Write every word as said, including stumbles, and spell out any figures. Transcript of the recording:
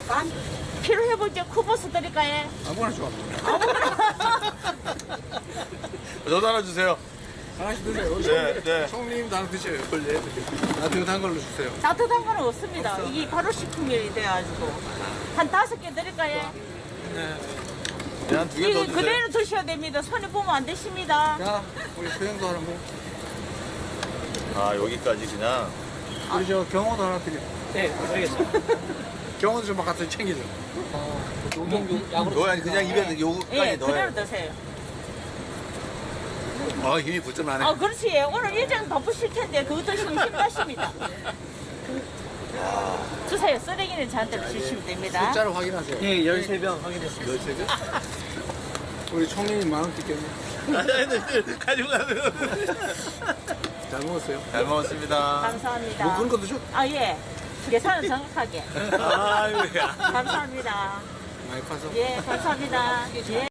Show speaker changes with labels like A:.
A: 반 필요해보죠. 쿠버스 드릴까요?
B: 아무거나 좋아.
C: 저도 하나 주세요.
B: 하나씩 드세요.
C: 네, 네.
B: 총리님도 하나 드셔요. 원래 따뜻한 걸로 주세요.
A: 따뜻한 거는 없습니다. 이게 바로 식품이 돼가지고 한 다섯 개 드릴까요?
B: 네.
C: 네, 한 두 개 더
A: 이거
C: 주세요.
A: 그대로 드셔야 됩니다. 손에 보면 안 되십니다.
B: 자, 우리 소영도 하나 먹.
C: 아, 여기까지 그냥.
B: 우리 저 경호도 하나 드려.
D: 네, 알겠습니다.
B: 경호도 좀 같이 챙기죠.
D: 용용 약으로.
C: 너 아니 그냥 입에 요거까지
A: 예,
C: 넣어요.
A: 그대로 드세요.
B: 아, 힘이 부쩍 나네.
A: 아, 그렇지. 오늘 일정 바쁘실 텐데 그거 드시면 힘나십니다. 주세요. 쓰레기는 저한테 주시면 됩니다.
B: 숫자를 확인하세요.
D: 예, 열세 병 확인했습니다.
B: 열세 개? 우리 총리님 만 원 뜯겠네.
C: 아니, 아니, 가지고 가세요.
B: 잘 먹었어요.
C: 잘 먹었습니다.
A: 감사합니다.
B: 뭐 그런 것도 줘?
A: 아, 예. 계산은 정확하게.
C: 아이고야.
A: 감사합니다.
B: 많이 파서.
A: 예, 감사합니다. 예.